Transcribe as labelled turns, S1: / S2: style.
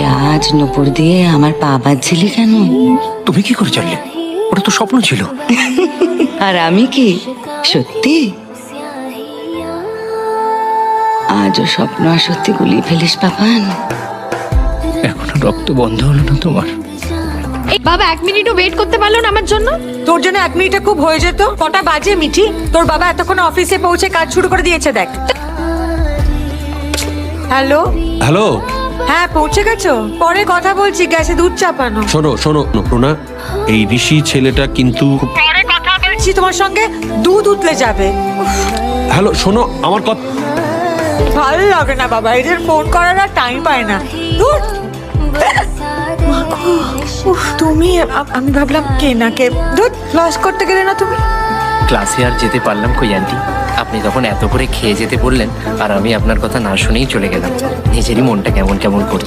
S1: আজ নুপুর দিয়ে আমার পা বাজছিলি কেন?
S2: তুমি কি করে জানলে? ওটা তো স্বপ্ন ছিল।
S1: আর আমি কি সত্যি? আজও স্বপ্ন আর সত্যি গুলিয়ে ফেলিস পাপান।
S2: এখনো রক্ত বন্ধ হলো না তোমার?
S3: বাবা 1 মিনিটও ওয়েট করতে পারলো না আমার জন্য?
S4: তোর জন্য 1 মিনিটে খুব হয়ে যেত। কটা বাজে মিঠি? তোর বাবা এতক্ষণ অফিসে পৌঁছে কাজ শুরু করে দিয়েছে দেখ। হ্যালো
S5: হ্যালো,
S4: হ্যাঁ পৌঁছে গেছো? পরে কথা বলছি, গ্যাসে দুধ চাপানো।
S5: শোনো শোনো প্রণা, এই ঋষি ছেলেটা কিন্তু
S4: পরে কথা বলছি, তোমার সঙ্গে দুধ উতলে যাবে।
S5: হ্যালো শোনো আমার কথা।
S4: ভালো লাগে না বাবা, এদের ফোন করার আর টাইম পায় না। ধুর। উফ, তুমি আমি ভাবলাম কে না কে। ধুর, লস করতে গেলে না তুমি।
S6: ক্লাসে আর যেতে পারলাম কই আন্টি? আপনি তখন এত করে খেয়ে যেতে বললেন আর আমি আপনার কথা না শুনেই চলে গেলাম। নিজেরই মনটা কেমন কেমন করছে।